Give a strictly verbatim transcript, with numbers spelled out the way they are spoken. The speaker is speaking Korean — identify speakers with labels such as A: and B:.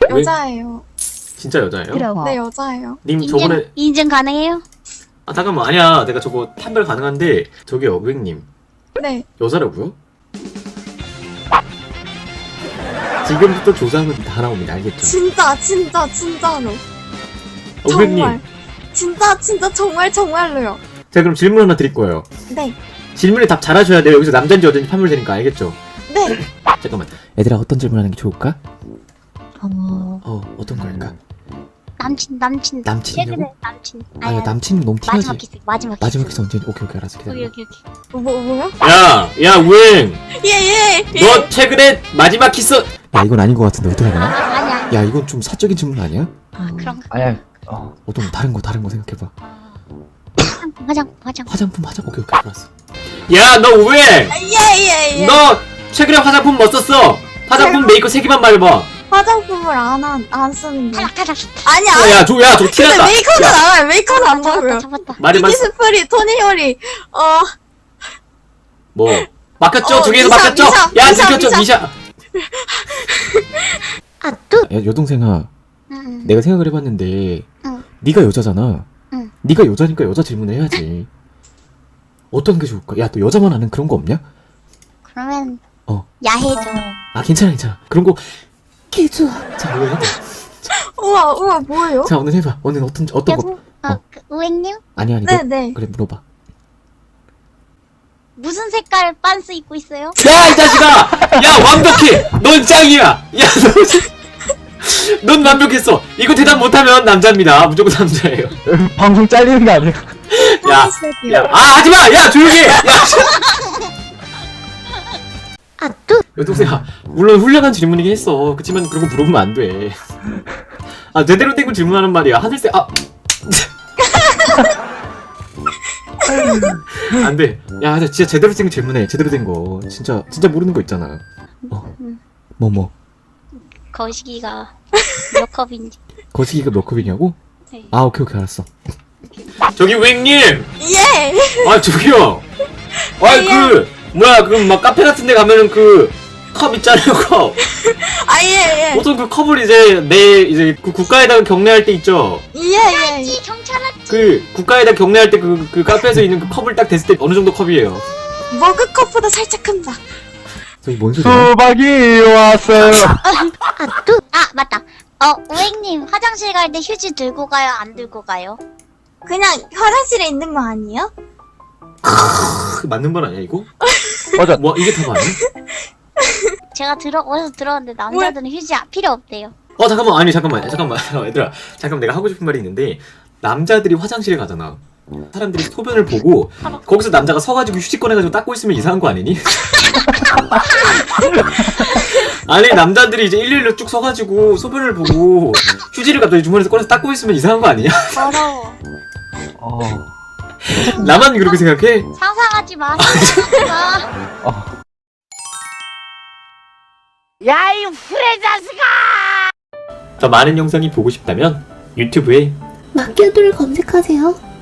A: 여자예요.
B: 진짜 여자예요?
C: 그럼.
A: 네, 여자예요.
B: 님
C: 인증,
B: 저번에
C: 인증 가능해요?
B: 아 잠깐만 아니야 내가 저거 판별 가능한데 저기요 고객님
A: 네.
B: 여자라고요? 지금부터 조사하면 다 나옵니다 알겠죠?
A: 진짜, 진짜, 진짜로.
B: 어, 고객님
A: 정말. 진짜, 진짜, 정말, 정말로요.
B: 제가 그럼 질문 하나 드릴 거예요.
A: 네.
B: 질문에 답 잘하셔야 돼요. 여기서 남자인지 여자인지 판별되니까 알겠죠?
A: 네.
B: 잠깐만 얘들아 어떤 질문하는 게 좋을까?
C: 어...
B: 어 어떤 거 할까?
C: 남친 남친
B: 남친이냐고?
C: 최근에 남친
B: 아야 남친 너무 티나지.
C: 마지막 키스 마지막 키스
B: 마지막 키스 언제? 오케이 오케이 알았어 기다려.
C: 오케이 오케이 오케이
A: 뭐, 뭐요?
B: 야, 야 우행.
A: 예, 예. 예.
B: 너 최근에 마지막 키스. 야 이건 아닌 것 같은데 어떻게
C: 아,
B: 하나?
C: 아니 아니
B: 야 이건 좀 사적인 질문 아니야?
C: 아, 그런 거
D: 아니야. 어.
B: 어떤 다른 거 다른 거 생각해봐.
C: 화장품 화장품 화장품
B: 화장품 화장 오케이 오케이 알았어. 야 너 우행.
A: 예, 예, 예.
B: 너 최근에 화장품 뭐 썼어? 화장품 메이커 세 개만 말해봐.
A: 화장품을 안, 한, 안 쓰는데.
C: 탈락 탈락
A: 아니,
B: 어,
A: 아니.
B: 야, 저, 야, 저
A: 근데
B: 티났다.
A: 메이커는
B: 야,
A: 알아요. 메이커는 안
C: 잡았다
A: 보고요.
C: 잡았다
B: 말해, 말,
A: 이니스프리, 토니요리, 어,
B: 뭐. 막혔죠?
A: 어,
B: 두 개에서
A: 미샤,
B: 막혔죠?
A: 미샤,
B: 야,
A: 미샤,
B: 들켰죠?
A: 미샤.
B: 미샤.
C: 아뚜
B: 야, 여동생아.
C: 응
B: 내가 생각을 해봤는데,
C: 응.
B: 네가 여자잖아.
C: 응.
B: 네가 여자니까 여자 질문을 해야지. 어떤 게 좋을까? 야, 너 여자만 아는 그런 거 없냐?
C: 그러면
B: 어.
C: 야해져
B: 아, 괜찮아, 괜찮아. 그런 거, 개 좋아. 자, 오늘 해봐.
A: 우와, 우와, 뭐예요?
B: 자, 오늘 해봐. 오늘 어떤, 어떤 거?
C: 여보
B: 어.
C: 어, 그 우행님
B: 아니, 아니.
A: 네,
B: 너,
A: 네.
B: 그래, 물어봐.
C: 무슨 색깔 빤스 입고 있어요?
B: 야, 이 자식아! 야, 완벽해! 넌 짱이야! 야, 너, 넌 완벽했어! 이거 대답 못하면 남자입니다. 무조건 남자예요.
D: 방송 잘리는 거 아니야?
B: 야,
A: 시작해요.
B: 야, 아, 하지마! 야, 조용히 해! 야,
C: 아뚜
B: 여동생아, 물론 훌륭한 질문이긴 했어. 그치만 그런 거 물어보면 안 돼. 아, 제대로 된 거 질문하는 말이야. 하늘색, 아. 안 돼. 야, 진짜 제대로 된 거 질문해. 제대로 된 거. 진짜, 진짜 모르는 거 있잖아. 어. 뭐, 뭐.
C: 거시기가 몇 컵인지
B: 거시기가 몇 컵이냐고?
C: 네.
B: 아, 오케이, 오케이, 알았어. 저기, 우행님!
A: 예!
B: 아, 저기요! 아, 그, 뭐야, 그, 막, 카페 같은 데 가면은 그, 컵 있잖아요, 컵!
A: 아, 예, 예.
B: 보통 그 컵을 이제, 내, 이제, 그 국가에다가 경례할 때 있죠?
A: 예, 예.
C: 이 경찰 왔지
B: 그, 국가에다 경례할 때 그, 그 카페에서 있는 그 컵을 딱 댔을 때 어느 정도 컵이에요?
A: 머그컵보다 살짝 큰다.
B: 저기 뭔 소리야?
D: 수박이 왔어요.
C: 아뚜 아 맞다 어 우행님 화장실 갈 때 휴지 들고 가요 안 들고 가요?
A: 그냥 화장실에 있는 거 아니에요?
B: 그 맞는 말 아니야, 이거?
D: 맞아.
B: 뭐, 이게 다 맞네?
C: 제가 들어 어디서 들었는데 남자들은 휴지 아- 필요 없대요.
B: 어, 잠깐만, 아니, 잠깐만, 잠깐만, 잠깐만, 얘들아. 잠깐만, 내가 하고 싶은 말이 있는데, 남자들이 화장실에 가잖아. 사람들이 소변을 보고, 거기서 남자가 서가지고 휴지 꺼내가지고 닦고 있으면 이상한 거 아니니? 아니, 남자들이 이제 일일로 쭉 서가지고, 소변을 보고, 휴지를 갑자기 주머니에서 꺼내서 닦고 있으면 이상한 거 아니냐?
C: 더러워.
D: 어.
B: 나만 그렇게 생각해?
C: 상상하지 마. 상상하지 마.
D: 어.
C: 야이 후레 자식아!
B: 더 많은 영상이 보고 싶다면, 유튜브에
E: 맡겨둘 검색하세요.